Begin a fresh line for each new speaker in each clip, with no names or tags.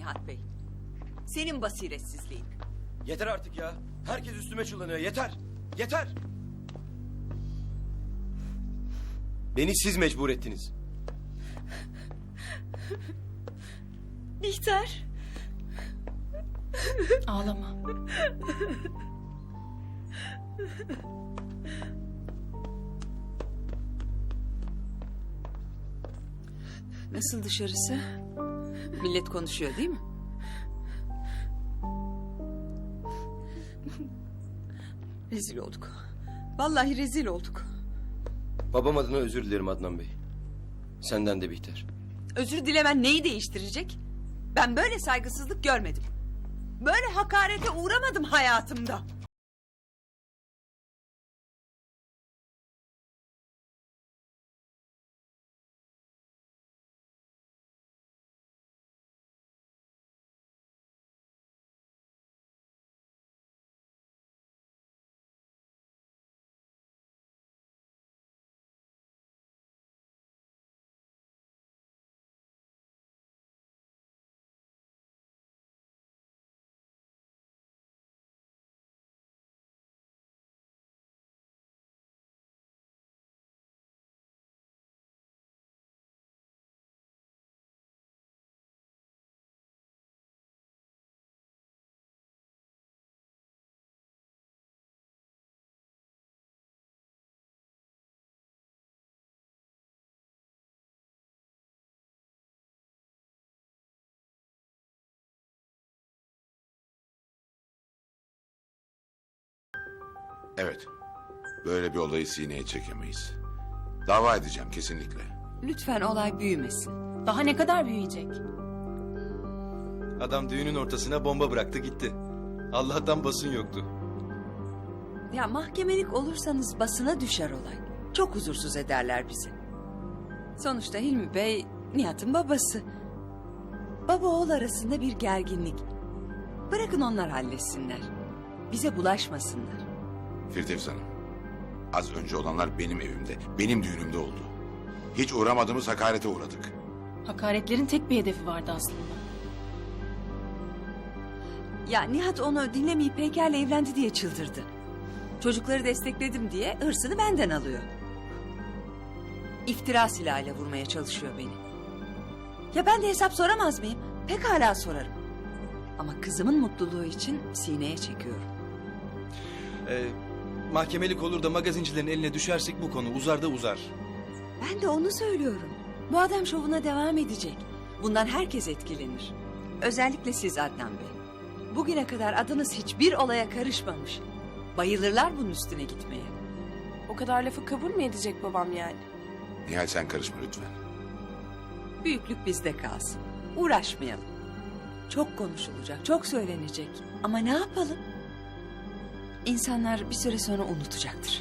Nihat Bey. Senin basiretsizliğin.
Yeter artık ya. Herkes üstüme çullanıyor. Yeter. Yeter. Beni siz mecbur ettiniz.
Bihter.
Ağlama.
Nasıl dışarısı? Millet konuşuyor değil mi? Rezil olduk. Vallahi rezil olduk.
Babam adına özür dilerim Adnan Bey. Senden de Bihter.
Özür dilemen neyi değiştirecek? Ben böyle saygısızlık görmedim. Böyle hakarete uğramadım hayatımda.
Evet. Böyle bir olayı sineye çekemeyiz. Dava edeceğim kesinlikle.
Lütfen olay büyümesin.
Daha ne kadar büyüyecek?
Adam düğünün ortasına bomba bıraktı gitti. Allah'tan basın yoktu.
Ya mahkemelik olursanız basına düşer olay. Çok huzursuz ederler bizi. Sonuçta Hilmi Bey Nihat'ın babası. Baba oğul arasında bir gerginlik. Bırakın onlar halletsinler. Bize bulaşmasınlar.
Firdevs Hanım. Az önce olanlar benim evimde, benim düğünümde oldu. Hiç uğramadığımız hakarete uğradık.
Hakaretlerin tek bir hedefi vardı aslında.
Ya Nihat onu dinlemeyip Peyker'le evlendi diye çıldırdı. Çocukları destekledim diye hırsını benden alıyor. İftira silahıyla vurmaya çalışıyor beni. Ya ben de hesap soramaz mıyım? Pekala sorarım. Ama kızımın mutluluğu için sineye çekiyorum.
Mahkemelik olur da magazincilerin eline düşersek bu konu uzar da uzar.
Ben de onu söylüyorum. Bu adam şovuna devam edecek. Bundan herkes etkilenir. Özellikle siz Adnan Bey. Bugüne kadar adınız hiçbir olaya karışmamış. Bayılırlar bunun üstüne gitmeye.
O kadar lafı kabul mü edecek babam yani?
Nihal sen karışma lütfen.
Büyüklük bizde kalsın. Uğraşmayalım. Çok konuşulacak, çok söylenecek. Ama ne yapalım? İnsanlar bir süre sonra unutacaktır.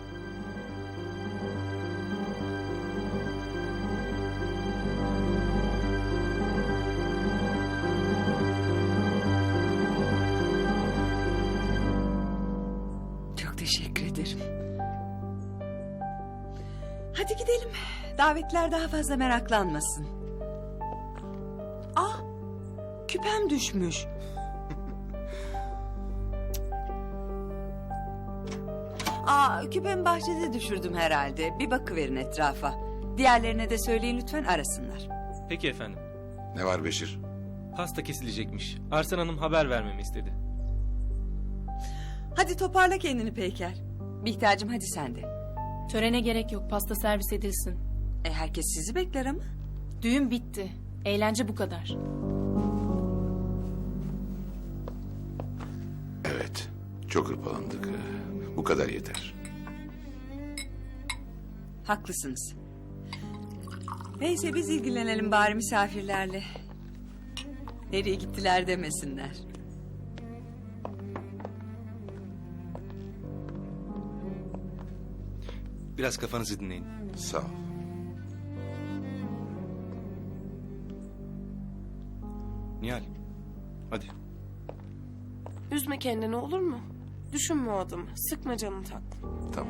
Çok teşekkür ederim. Hadi gidelim. Davetler daha fazla meraklanmasın. Ah, küpem düşmüş. Küpemi bahçede düşürdüm herhalde. Bir bakıverin etrafa. Diğerlerine de söyleyin lütfen arasınlar.
Peki efendim.
Ne var Beşir?
Pasta kesilecekmiş. Arslan Hanım haber vermemi istedi.
Hadi toparla kendini Peyker. Bihter'cim hadi sen de.
Törene gerek yok. Pasta servis edilsin.
Herkes sizi bekler ama.
Düğün bitti. Eğlence bu kadar.
Evet. Çok hırpalandık. Bu kadar yeter.
Haklısınız. Neyse biz ilgilenelim bari misafirlerle. Nereye gittiler demesinler.
Biraz kafanızı dinleyin.
Sağ ol.
Nihal, hadi.
Üzme kendini olur mu? Düşünme o adamı. Sıkma canını tatlım.
Tamam.